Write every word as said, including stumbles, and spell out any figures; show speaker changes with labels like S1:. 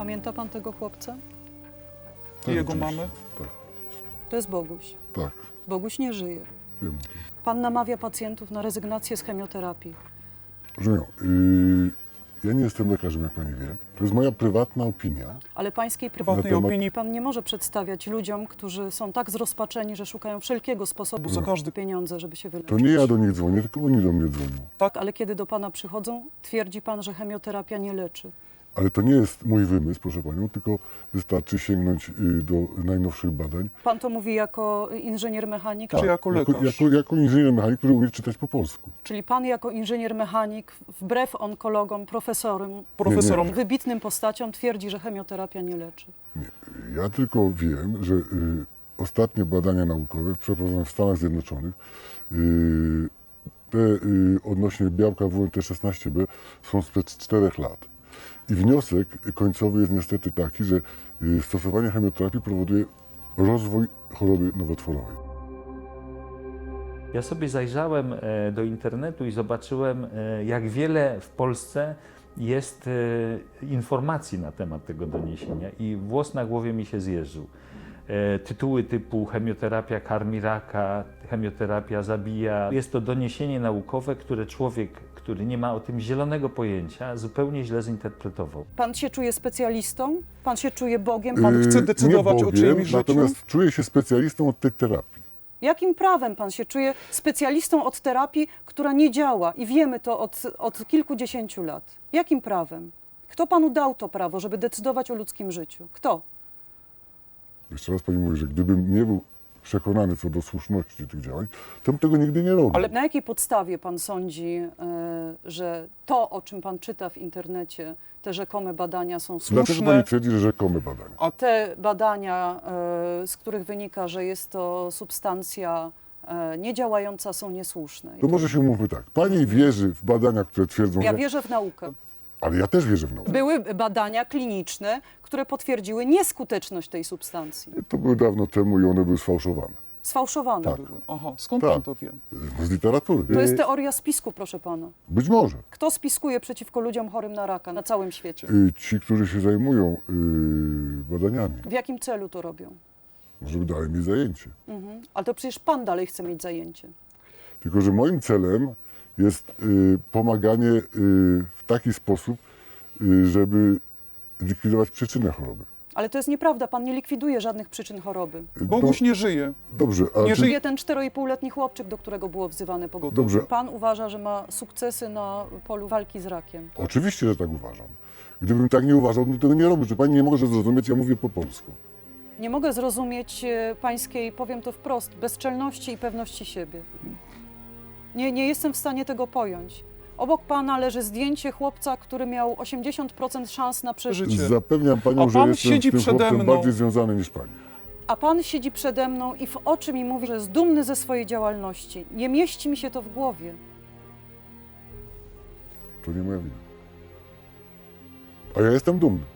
S1: Pamięta pan tego chłopca?
S2: I
S3: Tak,
S2: jego
S3: oczywiście.
S2: mamy?
S3: Tak,
S1: To jest Boguś.
S3: tak,
S1: Boguś nie żyje.
S3: wiem.
S1: Pan namawia pacjentów na rezygnację z chemioterapii.
S3: Rozumiem. Yy, ja nie jestem lekarzem, jak pani wie. To jest moja prywatna opinia.
S1: Ale pańskiej
S2: Prywatnej
S1: prywatnej
S3: temat-
S2: opinii,
S1: pan nie może przedstawiać ludziom, którzy są tak zrozpaczeni, że szukają wszelkiego sposobu
S2: za każdy...
S1: pieniądze, żeby się wyleczyć.
S3: To nie ja do nich dzwonię, tylko oni do mnie dzwonią.
S2: Tak,
S1: Ale kiedy do pana przychodzą, twierdzi pan, że chemioterapia nie leczy.
S3: Ale to nie jest mój wymysł, proszę panią, tylko wystarczy sięgnąć yy, do najnowszych badań.
S1: Pan to mówi jako inżynier mechanik?
S2: Czy jako
S3: jako,
S2: lekarz?
S3: jako, jako inżynier mechanik, który umie czytać po polsku.
S1: Czyli pan jako inżynier mechanik, wbrew onkologom, profesorom,
S2: profesorom.
S1: wybitnym postaciom, twierdzi, że chemioterapia nie leczy.
S3: Nie. Ja tylko wiem, że yy, ostatnie badania naukowe przeprowadzone w Stanach Zjednoczonych yy, te yy, odnośnie białka W N T szesnaście B są sprzed czterech lat. I wniosek końcowy jest niestety taki, że y, stosowanie chemioterapii powoduje rozwój choroby nowotworowej.
S4: Ja sobie zajrzałem e, do internetu i zobaczyłem, e, jak wiele w Polsce jest e, informacji na temat tego doniesienia i włos na głowie mi się zjeżył. E, Tytuły typu chemioterapia karmi raka, chemioterapia zabija. Jest to doniesienie naukowe, które człowiek, który nie ma o tym zielonego pojęcia, zupełnie źle zinterpretował.
S1: Pan się czuje specjalistą? Pan się czuje Bogiem? Pan...
S2: Pan chce
S3: Yy,
S2: decydować
S3: nie
S2: o
S3: Bogiem,
S2: czyimś życiu?
S3: Natomiast czuję się specjalistą od tej terapii.
S1: Jakim prawem pan się czuje specjalistą od terapii, która nie działa? I wiemy to od, od kilkudziesięciu lat. Jakim prawem? Kto panu dał to prawo, żeby decydować o ludzkim życiu? Kto?
S3: Jeszcze raz pani mówi, że gdybym nie był przekonany co do słuszności tych działań, to bym tego nigdy nie robił.
S1: Ale na jakiej podstawie pan sądzi, y, że to, o czym pan czyta w internecie, te rzekome badania są
S3: Dlaczego
S1: słuszne?
S3: pani twierdzi, że rzekome badania?
S1: A te badania, y, z których wynika, że jest to substancja y, niedziałająca, są niesłuszne. I
S3: To może się umówmy tak. Pani wierzy w badania, które twierdzą,
S1: Ja
S3: że...
S1: wierzę w naukę.
S3: Ale ja też wierzę w naukę.
S1: Były badania kliniczne, które potwierdziły nieskuteczność tej substancji.
S3: To były dawno temu i one były sfałszowane.
S1: Sfałszowane
S3: Tak.
S1: były.
S2: Aha, skąd
S3: Tak.
S2: pan to wie?
S3: Z literatury.
S1: To jest teoria spisku, proszę pana.
S3: Być może.
S1: Kto spiskuje przeciwko ludziom chorym na raka na całym świecie?
S3: Y, Ci, którzy się zajmują y, badaniami,
S1: W jakim celu to robią?
S3: żeby dali mi zajęcie.
S1: Mhm. Ale to przecież pan dalej chce mieć zajęcie.
S3: Tylko że moim celem jest y, pomaganie y, w taki sposób, y, żeby likwidować przyczynę choroby.
S1: Ale to jest nieprawda, pan nie likwiduje żadnych przyczyn choroby.
S3: Y,
S2: Boguś nie żyje.
S3: Dobrze, a
S2: nie
S3: czy,
S2: żyje.
S1: Żyje ten czteroipółletni chłopczyk, do którego było wzywane pogotowie.
S3: Dobrze.
S1: Pan uważa, że ma sukcesy na polu walki z rakiem.
S3: Oczywiście, że tak uważam. Gdybym tak nie uważał, to tego nie robił. Że pani nie może zrozumieć, ja mówię po polsku.
S1: Nie mogę zrozumieć e, pańskiej, powiem to wprost, bezczelności i pewności siebie. Nie, nie jestem w stanie tego pojąć. Obok pana leży zdjęcie chłopca, który miał osiemdziesiąt procent szans na przeżycie.
S2: Życie.
S3: Zapewniam panią,
S2: A
S3: że
S2: pan
S3: jestem
S2: siedzi
S3: z tym
S2: przede
S3: chłopcem
S2: mną.
S3: bardziej związany niż pani.
S1: A pan siedzi przede mną i w oczy mi mówi, że jest dumny ze swojej działalności. Nie mieści mi się to w głowie.
S3: To nie moja wina. A ja jestem dumny.